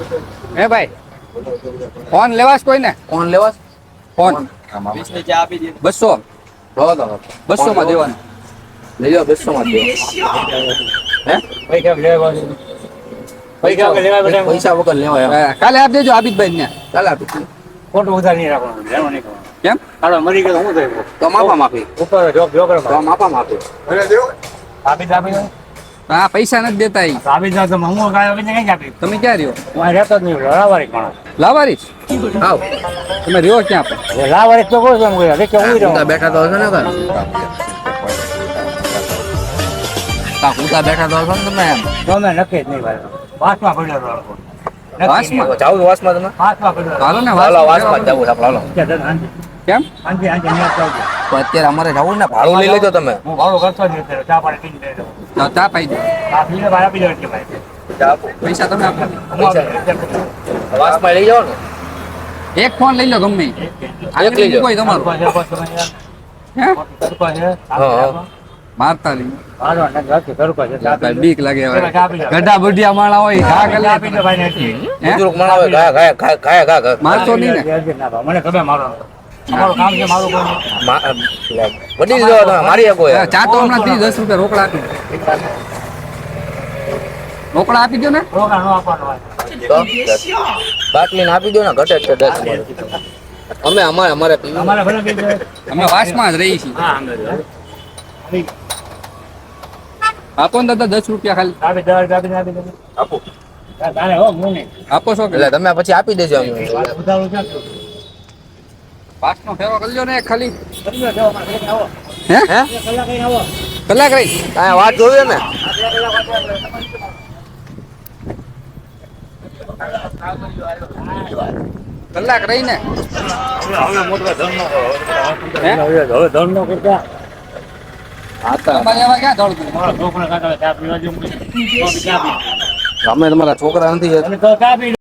હે ભાઈ ફોન લેવાસ કોઈ ને કોણ લેવા ફોન 200 200 માં દેવાનું લઈ જાઓ 200 માં દે હે પૈસા વગર લેવાય કાલે આપ દેજો આબિદભાઈ ને ચાલ આપી ખોટું વધારે નહીં રાખવાનું લેવાનું નહીં કરવાનું. કેમ હાલો મરી ગયો તો શું થયું? તો માપા માપી ઉપર જોબ જો કરો તો માપા માપી આપી દો. હા પૈસા નથી દેતા ઈ આપી દો તો હું કાંઈ આપીને કઈ આપી તમે ક્યાં રહ્યો હું અહીં રહેતો જ નહીં લાવારિક માણસ લાવારીસ આવ તમે રહ્યો ક્યાં પણ લાવારિક તો કહું છું એમ કહ્યું કે હું ઉતા રહું બેઠા તો હશે ને કા ઉતા બેઠા તો હશો ને તમે એમ તો મેં નક્કી જ નહીં ભાઈ વાસમાં પડ્યો હતો વાસમાં? જાવ વાસમાં તમે વાસમાં પડ્યો હતો. હાલો ને હાલો વાસ વાસમાં જાવ હાલો કે તને હાંજે કેમ હાંજે ન્યા જ આવજો. તો અત્યારે અમારે જવું ને ભાડું લઈ લેજો તમે હું ભાડું કરતો જ નથી ચા પાણી પીને લઈ જાઉં. તો ચા પાઈ દો આ પીને બહાર આપી દો એટલે ભાઈ પૈસા તમે આપો હું આપી વાસમાં લઈ જાઓ ને એક ફોન લઈ લો ગમે ઈ. એક લઈ લો. કોઈ તમારું હે હા. મારતા નહીં હાલો ને રાખી કરું પાછું ચા પી લો. બીક લાગે હવે ચા પી લો. ગઢા બુઢિયા માણા હોય ઘા કરી ચા પી લો ભાઈ ને એટલી. હે બુજુર્ગ માણસ હોય ગાય ગાય મારતો નહીં ને ના ભાઈ, મને ખબર મારો અમારું કામ છે મારું કામ વડી દીધો તમે મારી શકો હા, ચા તો હમણાં 10 રૂપિયા રોકડા આપી દો. રોકડા આપી દો ને રોકા નો આપવાનો હોય. બાટલી ને આપી દો ને ઘટે છે 10 અમે અમારે પીવું અમારે ભલે કઈ જાય. અમે વાસમાં જ રહી છીએ હા અમે આપો ને દાદા 10 રૂપિયા ખાલી આપી દો આપી દો આપો તારે હો હું નહીં આપો છો કે એટલે તમે પછી આપી દેજો અમને ઉધારું છે તો. પાસનો ફેરો કરજો ને એક ખાલી કરી લો, જાઓ, મારે ઘરે આવો. હે હે એક કલાક અહીં આવો. કલાક રહી આ વાત જોવે ને કલાક રહી ને હવે મોટો ધન નો કરો. હે? હવે ધન નો કરતા તમારે એમાં ક્યાં દોડતું મારા છોકરા કાકા ચા પીવા જેવું ચા પી અમે તમારા છોકરા નથી અને તો ચા પી